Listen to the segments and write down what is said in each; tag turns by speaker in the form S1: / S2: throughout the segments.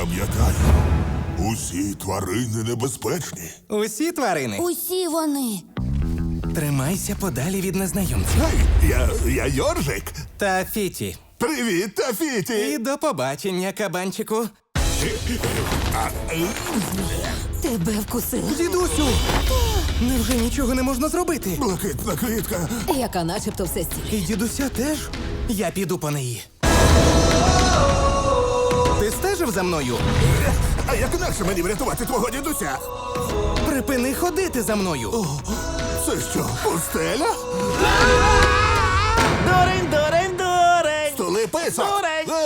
S1: Пам'ятай, усі тварини небезпечні.
S2: Усі тварини.
S3: Усі вони.
S2: Тримайся подалі від незнайомців.
S1: Гей, я Йоржик.
S2: Та Фіті.
S1: Привіт, Тафіті.
S2: І до побачення, кабанчику.
S3: Тебе вкусили.
S2: Дідусю! Невже нічого не можна зробити?
S1: Блакитна квітка.
S3: Яка начебто все стіль.
S2: І дідуся теж? Я піду по неї. Ти стежив за мною?
S1: А як інакше мені врятувати твого дідуся?
S2: Припини ходити за мною.
S1: Це що, пустеля?
S2: Дурень!
S1: Столи писок.
S2: Дурень!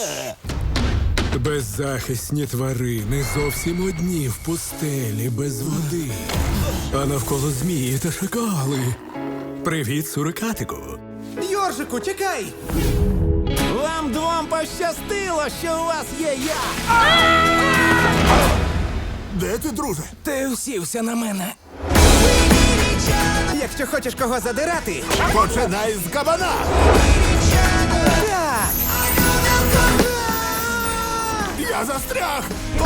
S4: Беззахисні тварини зовсім одні в пустелі без води. А навколо змії та шакали. Привіт, сурикатику.
S2: Йоржику, чекай! Вам двом пощастило, що у вас є я!
S1: Де ти, друже?
S2: Ти усівся на мене. Якщо хочеш кого задирати,
S1: Починай з кабана.
S2: так!
S1: Я застряг.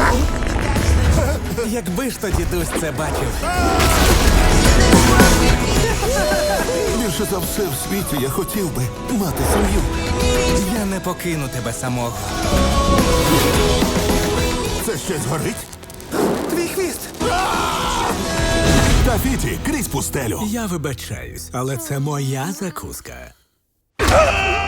S2: Якби ж то дідусь це бачив.
S1: Більше за все в світі я хотів би мати сім'ю.
S2: Я не покину тебе самого.
S1: Це щось горить?
S2: Твій хвіст!
S1: Тафіті, крізь пустелю.
S4: Я вибачаюсь, але це моя закуска.